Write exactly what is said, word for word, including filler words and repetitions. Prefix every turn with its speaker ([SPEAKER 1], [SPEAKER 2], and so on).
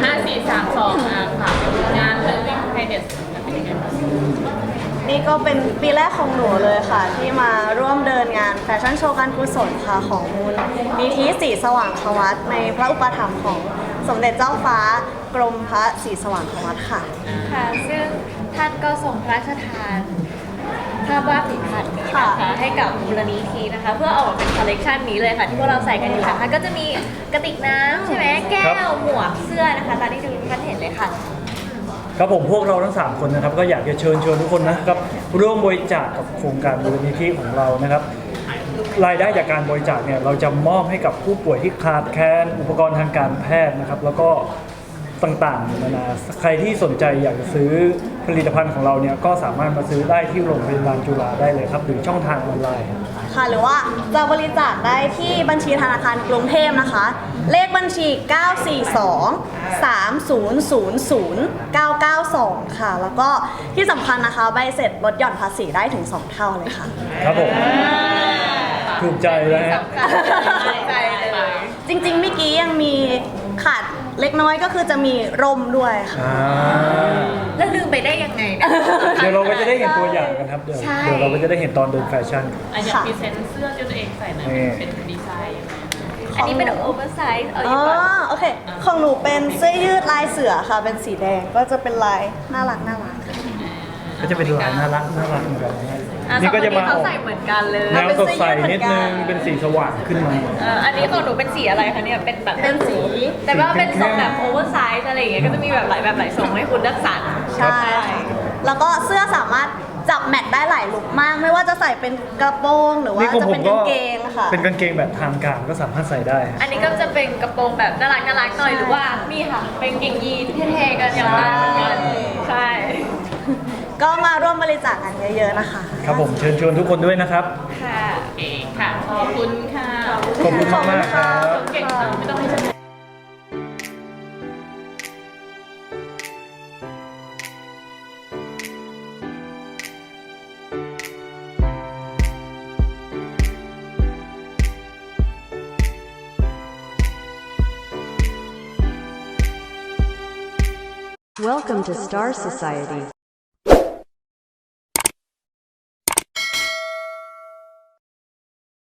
[SPEAKER 1] ห้าสี่สามสองอ่ะค่ะงานเลิฟวิ่งไฮเดสเป็นยังไงบ้าง
[SPEAKER 2] นี่ก็เป็นปีแรกของหนูเลยค่ะ ที่มาร่วมเดินงานแฟชั่นโชว์การกุศลค่ะของมูลนิธิศรีสว่างควัตในพระอุปถัมภ์ของสมเด็จเจ้าฟ้ากรมพระศรีสว่างควัตค่ะ
[SPEAKER 3] ค่ะซึ่งท่านก็ทรงพระราชทานภาพวาดฝีพรรณนี้นะคะให้กับมูลนิธินะคะเพื่อออกมาเป็นคอลเลกชันนี้เลยค่ะที่พวกเราใส่กันอยู่นะคะก็จะมีกระติกน้ำใช่ไหมแก้วหมวกเสื้อนะคะตามที่ทุกท่านเห็นเลยค่ะ
[SPEAKER 4] ครับผมพวกเราทั้งสามคนนะครับก็อยากจะเชิญชวนทุกคนนะครับร่วมบริจาคกับโครงการมูลนิธิของเรานะครับรายได้จากการบริจาคเนี่ยเราจะมอบให้กับผู้ป่วยที่ขาดแคลนอุปกรณ์ทางการแพทย์นะครับแล้วก็ต่างๆนานาใครที่สนใจอยากจะซื้อผลิตภัณฑ์ของเราเนี่ยก็สามารถมาซื้อได้ที่โรงพยาบาลจุฬาได้เลยครับหรือช่องทางออนไลน์
[SPEAKER 2] ค่ะหรือว่าจะบริจาคได้ที่บัญชีธนาคารกรุงเทพนะคะเลขบัญชี เก้า สี่ สอง สาม ศูนย์ ศูนย์ ศูนย์ เก้า เก้า สอง ค่ะแล้วก็ที่สำคัญนะคะใบเสร็จลดหย่อนภาษีได้ถึงสองเท่าเลยค่ะ
[SPEAKER 4] ครับผมถูกใจแล้ว
[SPEAKER 1] ใจเลย
[SPEAKER 2] จริงๆเมื่อกี้ยังมีขาดเล็กน้อยก็คือจะมีร่มด้วยค่ะ
[SPEAKER 3] แล้วลืมไปได้ยังไงเนี่ย
[SPEAKER 4] เดี๋ยวเราก็จะได้เห็นตัวอย่างกันครับเดี๋ยวเดี๋ยวเราก็จะได้เห็นตอนเดินแฟชั่น
[SPEAKER 1] อ่ะอย่างพรีเซนต์เสื้อที่ตัวเองใส่นะเป็นดีไซน์ยังไง
[SPEAKER 3] อันนี้เป็นโอเวอร์ไซส์เอาอ
[SPEAKER 2] อ๋
[SPEAKER 3] ย่างก่อน
[SPEAKER 2] อโอเคของหนูเป็นเสื้อยืดลายเสือค่ะเป็นสีแดงก็จะเป็นลายน่ารักน่ารัก
[SPEAKER 4] ก็จะเป็นลายน่ารักน่ารักเหมือนกัน
[SPEAKER 3] นี่ก็จะมาเขาใส่เหมือนกันเลย
[SPEAKER 4] แนวสดใสนิดนึงเป็นสีสว่างขึ้นมา
[SPEAKER 3] อันนี้ของหนูเป็นสีอะไรคะเนี่ยเป็นแบบ
[SPEAKER 2] เป็นสี
[SPEAKER 3] แต่ว่าเป็นทรงแบบโอเวอร์ไซส์อะไรอย่างเงี้ยก็จะมีแบบหลายแบบหลายทรงให้คุณเลือกสรร
[SPEAKER 2] ใช่แล้วก็เสื้อสามารถจับแมทได้หลายลุคมากไม่ว่าจะใส่เป็นกระโปรงหรือว่าจะเป็นกางเกงค่ะ
[SPEAKER 4] เป็นกางเกงแบบทางการก็สามารถใส่ได้
[SPEAKER 3] อันนี้ก็จะเป็นกระโปรงแบบน่ารักน่ารักหน่อยหรือว่านี่ค่ะเป็นกางเกงยีนเท่ๆกันอย่างนั้นเหมือนกันใช่
[SPEAKER 2] ก็มาร่วมบริจาคกันเยอะๆนะคะ
[SPEAKER 4] ครับผมเชิญชวนทุกคนด้วยนะครับ
[SPEAKER 3] ค่ะ
[SPEAKER 1] เอ๋ค่ะขอบคุณค่ะ
[SPEAKER 4] ขอบคุณมากมากครับ
[SPEAKER 1] เก่งค่ะไม่ต้องให้ฉัน
[SPEAKER 5] Welcome to Star Society.